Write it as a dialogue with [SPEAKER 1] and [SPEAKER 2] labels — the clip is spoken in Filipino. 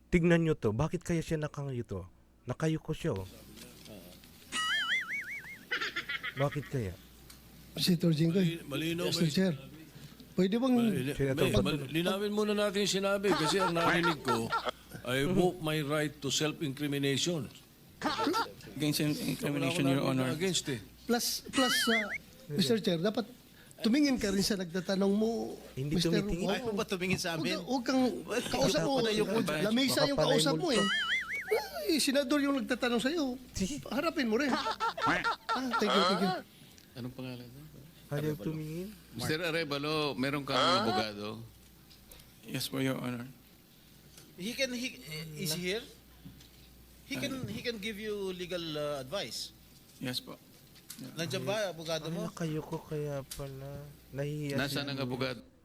[SPEAKER 1] Tignan nyo to. Bakit kaya siya nakangayuto? Nakayuko siya, oh. Bakit kaya?
[SPEAKER 2] Senator Jinggoy.
[SPEAKER 3] Malinaw ba
[SPEAKER 2] Mr. Chair. Pwede bang...
[SPEAKER 3] linawin muna natin yung sinabi kasi ang narinig ko, I invoke my right to self-incrimination.
[SPEAKER 4] Against incrimination,
[SPEAKER 3] Wala
[SPEAKER 4] Your
[SPEAKER 3] ko
[SPEAKER 4] Honor.
[SPEAKER 3] against eh.
[SPEAKER 2] Plus, Mr. Chair, dapat tumingin ka rin sa nagtatanong mo,
[SPEAKER 1] Hindi
[SPEAKER 2] Mr.
[SPEAKER 1] tumitingin.
[SPEAKER 2] Oo.
[SPEAKER 5] Ay, mo ba tumingin sa amin?
[SPEAKER 2] Huwag kang kausap mo. Lamisa yung
[SPEAKER 1] Makapalay
[SPEAKER 2] kausap mo
[SPEAKER 1] multo.
[SPEAKER 2] eh. Senador yung nagtatanong sa'yo. Harapin mo rin. Thank you, thank you.
[SPEAKER 6] Anong pangalan?
[SPEAKER 1] Ayaw tumingin.
[SPEAKER 6] Mr. Arevalo, meron kang abogado?
[SPEAKER 4] Yes po, Your Honor.
[SPEAKER 5] Is he here? He can give you legal advice.
[SPEAKER 4] Yes po.
[SPEAKER 5] Nandiyan ba, abogado mo?
[SPEAKER 1] Nakayuko kaya pala. Nahihiya
[SPEAKER 6] Nasaan
[SPEAKER 1] siya.
[SPEAKER 6] ang abogado?